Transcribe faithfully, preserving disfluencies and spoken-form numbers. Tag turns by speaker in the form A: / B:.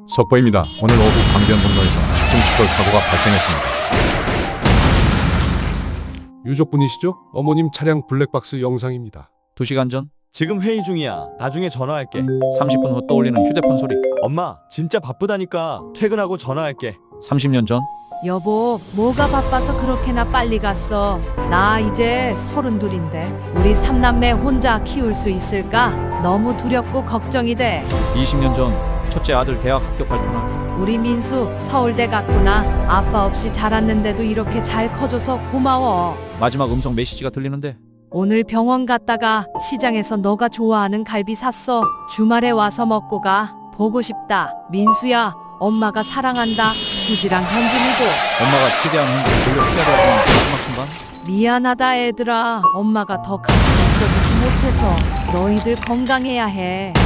A: 속보입니다. 오늘 오후 강변북로에서 중추돌 사고가 발생했습니다.
B: 유족분이시죠? 어머님 차량 블랙박스 영상입니다.
C: 두 시간 전
D: 지금 회의 중이야. 나중에 전화할게.
C: 삼십 분 후 떠올리는 휴대폰 소리.
D: 엄마, 진짜 바쁘다니까. 퇴근하고 전화할게.
C: 삼십 년 전
E: 여보, 뭐가 바빠서 그렇게나 빨리 갔어? 나 이제 서른둘인데 우리 삼남매 혼자 키울 수 있을까? 너무 두렵고 걱정이 돼.
C: 이십 년 전 첫째 아들 대학 합격할 때나
E: 우리 민수 서울대 갔구나. 아빠 없이 자랐는데도 이렇게 잘 커줘서 고마워.
C: 마지막 음성 메시지가 들리는데
E: 오늘 병원 갔다가 시장에서 너가 좋아하는 갈비 샀어. 주말에 와서 먹고 가. 보고 싶다. 민수야, 엄마가 사랑한다. 수지랑 현준이도.
C: 엄마가 최대한 흔들어 돌려 피하려던 마지막 순간
E: 미안하다 애들아. 엄마가 더 같이 있어주지 못해서. 너희들 건강해야 해.